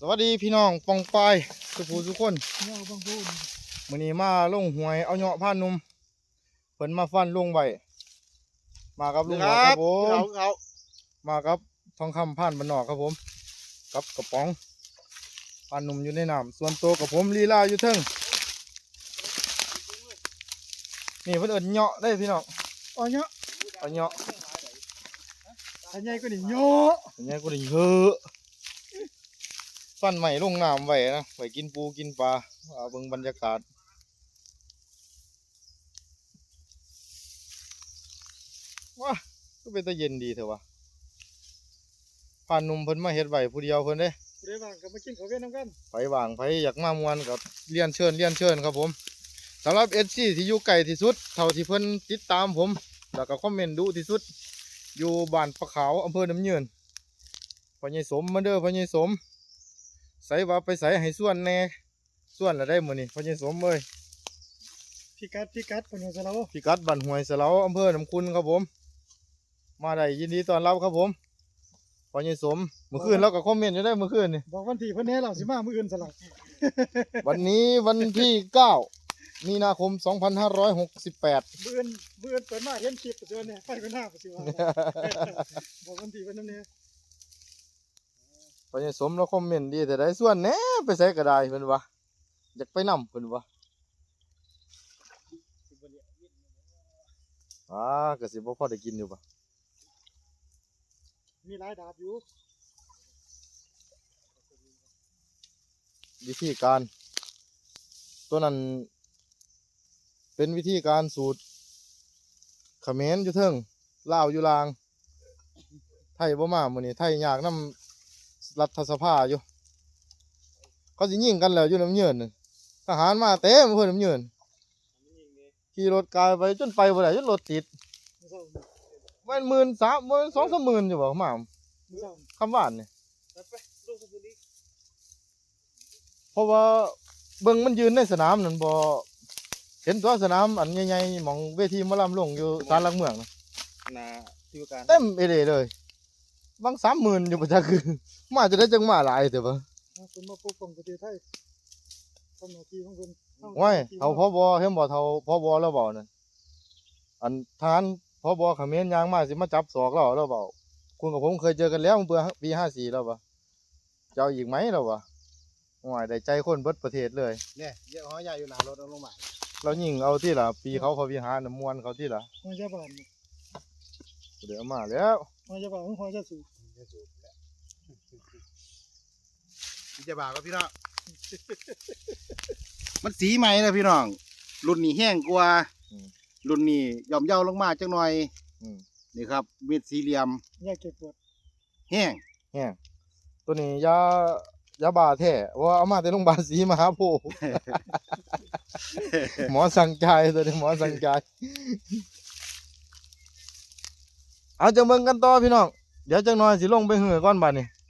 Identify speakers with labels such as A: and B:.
A: สวัสดีพี่น้องปองปายสุภูทุกคน
B: เนี่ยบางพูด
A: มื้อนี้มาลงหวยเอาเหาะผ่านนุ่มเพิ่นมาฟันลงไว้มากับลุงหวครับผมมากับทองคำผ่านบ้านนอกครับผมกับกระป๋องผ่านนุ่มอยู่ในน้ำส่วนตัวกับผมลีลาอยู่เทิงนี่เพิ่นเอิ้นเหาะได้พี่น้อง
B: อ๋อเนาะ
A: เอาเหาะ
B: อันใหญ่กว่านี่เยอะ
A: อันนี้ก็ได้เยอะฟันใหม่ลงน้ำไว้นะไว้กินปูกินปลาเอาเบิ่งบรรยากาศว้าก็เป็นตะเย็นดีเถอะวะผ่านหนุ่มเพิ่นมาเฮ็ดไว้ผู้เดียวเพิ่นเด้
B: เดี๋ยวว่างก็มากินข้าวเวียนน้ำกัน
A: ไผว่างไผอยากมามวนกับเรียนเชิญครับผมสำหรับ SC ที่อยู่ไกลที่สุดเท่าที่เพิ่นติดตามผมแล้วก็คอมเมนต์ดูที่สุดอยู่บ้านปะขาวอำเภอน้ำยืนพ่อใหญ่สมมาเด้อพ่อใหญ่สมใส่ว่าไปใส่ให้ส่วนแน่ส่วนละได้มื้อนี้พ่อใหญ่สมเอ้ย
B: พิกัดเป็นหัวเสา
A: พิกัดบ้านห้วยสะเลาอำเภอหนำคุณครับผมมาได้ยินดีต้อนรับครับผมพ่อใหญ่สมเมื่อคืนเราก็คอมเมนต์อยู่ได้เมื่อคืนนี่
B: บอกวันที่เพิ่นแน่เราสิมามื้ออื่นสลับ
A: วันนี้วันที่ 9 มีนาคม 2568
B: มื้ออื่นเปิดมาเห็นคลิปตัวเนี่ยไปเพิ่นหน้าสิว่าบอกวันที่เพิ่นนำแน่
A: พ่อใหญ่สมเราคอมเมนต์ดีแต่ได้ส่วนแหน่ไปใส่ก็ได้เพิ่นว่าอยากไปนำเพิ่นว่าก็สิบ่พอได้กินอยู่ปะ
B: มีหลายดาบอยู่
A: วิธีการตัวนั้นเป็นวิธีการสูตรเขมรอยู่เทิงลาวอยู่ลางไทยบ่มามื้อนี้ไทยยากนำรัฐสภาอยู่เขาสิยิงกันแล้วอยู่น้ำเยินน่ะทหารมาเต็มเพิ่นน้ำเยินขี่รถกายไปจนไปบ่ได้จนรถติดมัน13,000บ่2-3หมื่นอยู่บ่มาคำว่านนี่เพราะว่าเบิ่งมันยืนในสนามนั่นบ่เห็นตัวสนามอันใหญ่ๆหม่องเวทีหมอลำลงอยู่ศาลหลักเมือง
B: น่ะที่ว่าการ
A: เต็มเอเดเลยบาง 30,000อยู่บ่จักคือมาจะได้จังมาหลายแต่บ่
B: เพิ่นมาปกป้องประเทศไทยทำหน้าที่ของเพิ่น
A: โอ้ยเฒ่าผบเห็นบ่เฒ่าผบแล้วเว้านั่นอันทหารผบเขมรยางมาสิมาจับศอกเราแล้วเว้าคุณกับผมเคยเจอกันแล้วเมื่อปี54แล้วบ่เจ้าอีกไหมแล้วบ่โอ้ยได้ใจคนเบิดประเทศเลย
B: เนี่ยเยอะหอยใหญ่อยู่หน้ารถเอาลงมา
A: เรายิงเอาที่ล่ะปีเขาวิหารน่ะม่วนเขาที่ล่ะ
B: หอยจะบาน
A: เดี๋ยวมาแล้ว
B: หอยจะบานหอยจะสูบ
C: พี่จะบาก็พี่น้อง มันสีใหม่นะพี่น้องรุ่นนี้แห้งกว่ารุ่นนี้ย่อมเยาลงมาจังหน่อยนี่ครับเม็ดสี่เหลี่ยม
B: อยากเก็บปวด
C: แห้ง
A: แห้งตัวนี้ยาบ้าแท้ว่าเอามาแต่โรงพยาบาลศรีมหาโพธิ์ หมอสั่งจ่ายตัวนี้หมอสั่งจ่ายเอาจังเบิ่งกันต่อพี่น้องเดี๋ยวจังหน่อยสิลงไปเหือก่อนบัดนี้